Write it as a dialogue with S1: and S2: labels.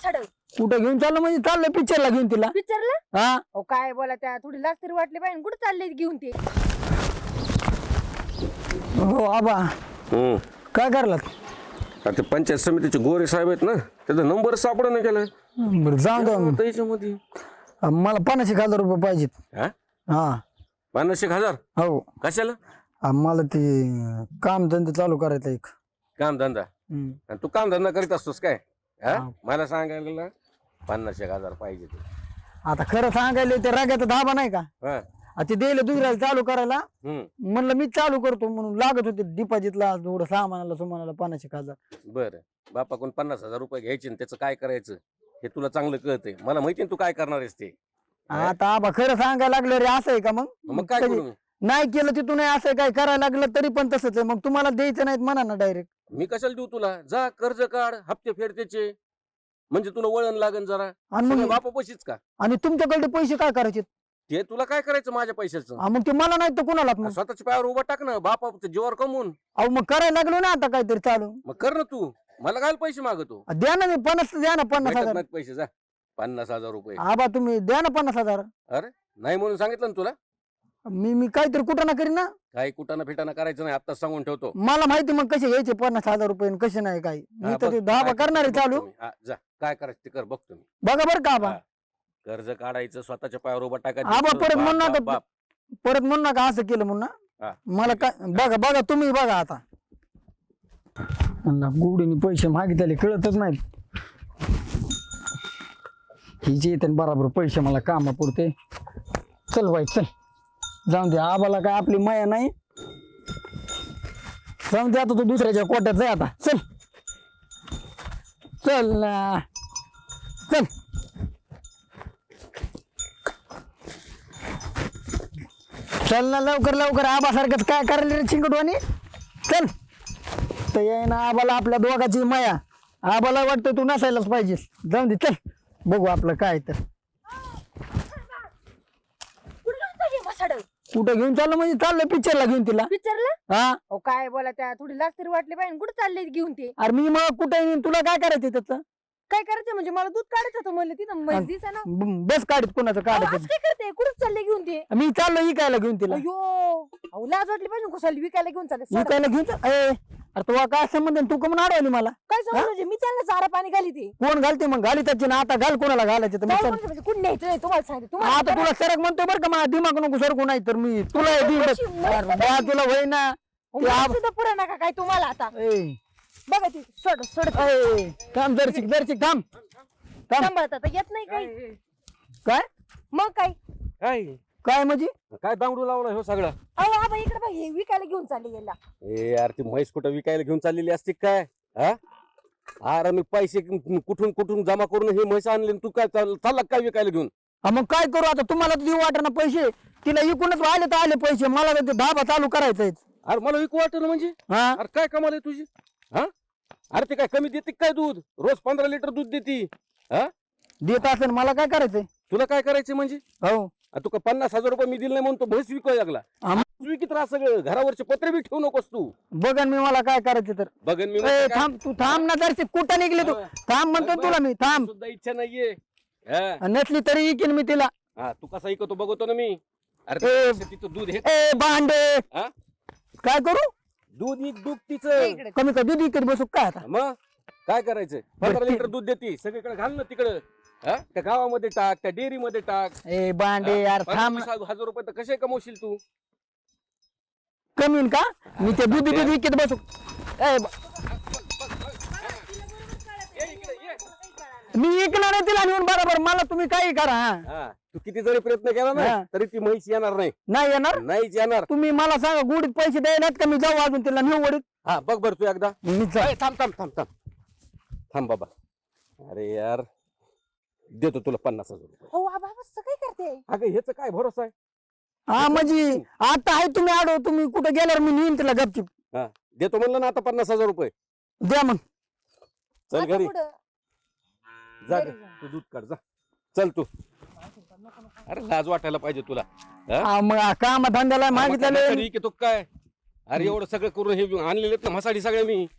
S1: मसाड
S2: कुठं घेऊन चाललं म्हणजे चाललं पिक्चरला घेऊन तिला.
S1: पिक्चरला
S2: हा
S1: अहो काय बोला त्या थोडी लाज तरी वाटली पाहिजे कुठे चालले घेऊन ते
S2: हो आबा काय करलात?
S3: ते पंचायत समितीचे गोरे साहेब आहेत ना त्याचा नंबर सापडा नाही केला
S2: बरं जाऊ द्या.
S3: त्याच्यामध्ये
S2: मला 50,000 रुपये पाहिजेत.
S3: हा
S2: हा
S3: 50,000
S2: हो
S3: कशाला
S2: मला ते काम धंदे चालू करायचं एक.
S3: काम धंदा आणि तू काम धंदा करीत असतोस काय हा मला सांगायला 50,000 पाहिजे ते.
S2: आता खरं सांगायला ते रागाचा धाबा नाही का
S3: हा
S2: ते दिले दुसऱ्याला चालू करायला.
S3: हम्म
S2: म्हणलं मी चालू करतो म्हणून लागत होते डिपॉझिटला थोडं सामानाला सुमानाला 50,000.
S3: बर बापाकडून 50,000 रुपये घ्यायचे आणि त्याचं काय करायचं हे तुला चांगलं कळतंय मला माहिती तू काय करणार आहेस ते.
S2: आता आबा खरं सांगायला लागलं रे असं आहे का
S3: मग काय करू मी?
S2: नाही केलं तिथून नाही असं काय करायला लागलं तरी पण तसंच आहे. मग तुम्हाला द्यायचं नाहीत म्हणा ना डायरेक्ट.
S3: मी कशाला देऊ तुला जा कर्ज काढ हप्ते फेड त्याचे म्हणजे तुला वळण लागन जरा
S2: आणि मग
S3: बापा पैसेच का
S2: आणि तुमच्याकडे पैसे काय करायचे?
S3: ते तुला काय करायचं माझ्या पैशाचं
S2: मग ते मला नाही तर कुणाला मग.
S3: स्वतःच्या पायावर उभा टाक ना बापा जीवावर कमवून
S2: अहो मग करायला लागलो ना आता काहीतरी चालू.
S3: मग कर ना तू मला काय पैसे मागतो
S2: द्या ना मी 50 द्या ना 50,000.
S3: भेटत पैसे जा 50,000 रुपये
S2: आबा तुम्ही द्या ना 50,000.
S3: अरे नाही म्हणून सांगितलं ना तुला
S2: मी काहीतरी कुठं ना करीन ना.
S3: काही कुटाना फिटाना करायचं नाही आता सांगून ठेवतो.
S2: मला माहिती मग कसे घ्यायचे 50,000 रुपये आणि कसे नाही काही. मी तर ते धाबा करणार आहे चालू.
S3: जा काय करायचं ते कर बघतो मी.
S2: बघा बरं का आबा
S3: कर्ज काढायचं स्वतःच्या पायावर उभा टाकायचं
S2: आबा परत
S3: बाप,
S2: म्हणू
S3: बाप,
S2: नका
S3: बाप.
S2: परत म्हणू नका असं केलं म्हणून
S3: हा.
S2: ना. मला काय बघा तुम्ही बघा आता गुडीने पैसे मागितले कळतच नाहीत. हिचे येते बराबर पैसे मला कामा पुरते. चल बाई चल जाऊन दे आबाला काय आपली माया नाही. जाऊन दे आता तू दुसऱ्याच्या कोट्यात जाय आता. चल चल ना चल. चल ना लवकर आबासारखंच काय करायला रे चिंकटवाणी. चल तर ये ना आबाला आपल्या दोघाची माया. आबाला वाटतं तू नसायलाच पाहिजे. जाऊन दे चल बघू आपलं काय तर.
S1: मसाड
S2: कुठं घेऊन चाललं म्हणजे चाललं पिक्चरला घेऊन तिला.
S1: पिक्चरला
S2: हा
S1: अहो काय बोला त्या थोडी लाज तरी वाटली पाहिजे कुठे चालले घेऊन ते
S2: अरे मी मग कुठे येईन तुला काय करायचं त्याचं.
S1: काय करायचं म्हणजे मला दूध काढायचं होतं म्हणलं तिथं म्हैस दिसा ना
S2: बस काढत कोणाचं
S1: अहो,
S2: काढायचं.
S1: असं काय करते कुठे चालले घेऊन ते
S2: मी चाललो विकायला घेऊन तिला.
S1: अयो अहो लाज वाटली पाहिजे कुशाली विकायला घेऊन चालले सोडा.
S2: विकायला घेऊन अरे तुला काय संबंध आहे? तू कमून अडवली मला.
S1: काय समज मी चाललं चारा पाणी घाली ते
S2: कोण घालते मग घाली त्याची ना आता घाल कोणाला घालायचं तर मी
S1: काय
S2: चल.
S1: म्हणजे म्हणजे कुठं न्यायचं नाही तुम्हाला सांगते
S2: आता
S1: तुम्हाला
S2: तुला सरक म्हणतोय बरं का मला दिमाग नको सरकू नाही तर मी तुला तुला होई ना
S1: मला सुद्धा पुरा नका काय तुम्हाला आता बघा ती सोड
S2: थांब दर्शिक थांब
S1: सांभाळत आता येत नाही काही
S2: काय
S1: मग काय
S3: काय
S2: काय म्हणजे
S3: काय दांगडू लावला हो सगळं.
S1: अहो आबा इकडे बघ हे विकायला घेऊन चालले याला
S3: ए यार ती म्हैस कुठं विकायला घेऊन चाललेली असते काय हा अरे मी पैसे कुठून जमा करून हे म्हैस आणले तू काय चालला काय विकायला घेऊन.
S2: मग काय करू आता तुम्हाला देऊ वाटना पैसे तिला इकूनच आले तर आले पैसे मला तर ते धाबा चालू करायचंय.
S3: अरे मला विकू वाटत म्हणजे
S2: हा
S3: अरे काय कमाल आहे तुझी हा अरे ते काय कमी देते काय दूध रोज 15 लिटर दूध देते हा
S2: देत असेल मला काय करायचंय.
S3: तुला काय करायचं म्हणजे
S2: हो
S3: तू का 50,000 रुपये मी दिले नाही म्हणून तो म्हैस विकायला लागला. विकित राहा सगळं घरावरचे पत्रे बी ठेवू नकोस तू.
S2: बघन मी मला काय करायचं तर.
S3: बघन मी
S2: थांब तू थांब ना दर्शिक कुठं निघली तू थांब म्हणतो तुला मी थांब.
S3: सुद्धा इच्छा नाहीये हा
S2: नसली तरी इकीन मी तिला.
S3: हा, तू कसा ऐकतो बघतो ना मी. अरे तिचं दूध हे
S2: ए भांडे
S3: हा?
S2: काय करू
S3: दूध दूध तिचं
S1: इकडे
S2: कमी का दूध इकडे बसू काय आता.
S3: मग काय करायचं 15 लिटर दूध देते सगळीकडे घाल ना तिकडं हा त्या गावामध्ये टाक त्या डेअरी मध्ये टाक.
S2: ए भांडे यार थांब ना.
S3: 50,000 रुपये तर कसे कमवशील तू.
S2: कमी का मी ते दूध विकत बसू. मी ऐकणार नाही तिला नेऊन बरोबर मला तुम्ही काही करा.
S3: हा तू किती जरी प्रयत्न केला ना
S2: हा.
S3: तरी ती म्हैस येणार नाही.
S2: नाही येणार
S3: नाहीच येणार.
S2: तुम्ही मला सांगा गुडीत पैसे द्यायलात का मी जाऊ अजून तिला नेऊ वडीत.
S3: हा बघ बर तू एकदा
S2: मी जा-
S3: ए, थांब बाबा. अरे यार देतो तुला 50,000 रुपये.
S1: हो आबा असं काय करते
S3: अगं ह्याच काय भरोसा आहे.
S2: हा म्हणजे आता आहे तुम्ही आडो तुम्ही कुठे गेल्यावर मी नेईन तिला गपचिप.
S3: हा देतो म्हणलं ना आता 50,000 रुपये.
S2: द्या मग.
S3: चल
S1: आता
S3: घरी
S1: पुढं
S3: जा
S1: घरी
S3: ग.
S1: जा.
S3: तू दूध काढ जा चल तू. अरे लाज वाटायला पाहिजे तुला. हा?
S2: हा, मग काम धंद्याला मागितलेले
S3: तरी की तो काय अरे एवढं सगळं करून हे आणलेले आहेत ना म्हसाडी सगळ्या मी